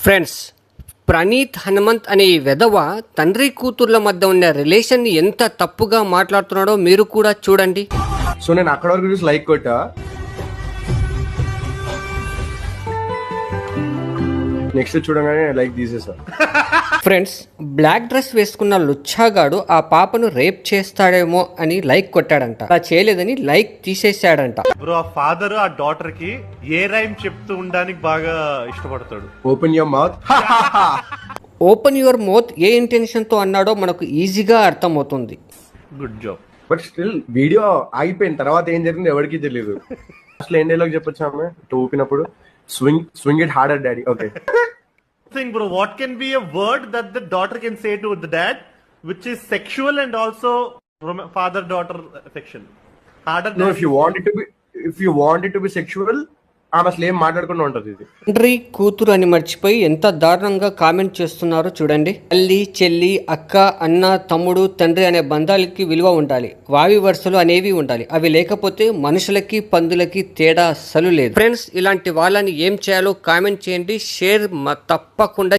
Friends, Praneeth Hanumanth అనే ఈ వెధవ తండ్రి కూతుర్ల మధ్య ఉన్న రిలేషన్ ని ఎంత తప్పుగా మాట్లాడుతున్నాడో మీరు కూడా చూడండి. సో నేను అక్కడ వరకు చూసి లైక్ కొట్టా, నెక్స్ట్ చూడగానే లైక్ తీసేసా. ఫ్రెండ్స్, బ్లాక్ డ్రెస్ వేసుకున్న లుచ్చాగాడు ఆ పాపను రేప్ చేస్తాడేమో అని లైక్ కొట్టాడంట. అలా చేయలేదని లైక్ తీసేశాడంట. బ్రో, ఆ ఫాదర్ ఆ డాటర్ కి ఏ రైమ్ చెప్తూ ఉండడానికి బాగా ఇష్టపడతాడు. Open your mouth. Open your mouth ఏ ఇంటెన్షన్ తో అన్నాడో మనకు ఈజీగా అర్థమవుతుంది. Good job. But still video ఆగిపోయిన తర్వాత ఏం జరిగింది ఎవరికి తెలియదు. అసలు ఏం డైలాగ్ చెప్పొచ్చు ఆమె ఊపినప్పుడు? Swing it harder daddy. Okay, Think, bro, what can be a word that the daughter can say to the dad which is sexual and also father daughter affection? Harder no, than if you want it to be sexual, ఆమె అసలు ఏం మాట్లాడకుండా ఉంటది. ఇది తండ్రి కూతురు అని మర్చిపోయి ఎంత దారుణంగా కామెంట్ చేస్తున్నారో చూడండి. తల్లి, చెల్లి, అక్క, అన్న, తమ్ముడు, తండ్రి అనే బంధాలకి విలువ ఉండాలి. వావి వరుసలు అనేవి ఉండాలి. అవి లేకపోతే మనుషులకి పందులకి తేడా అస్సలు లేదు. ఫ్రెండ్స్, ఇలాంటి వాళ్ళని ఏం చేయాలో కామెంట్ చేయండి. షేర్ తప్పకుండా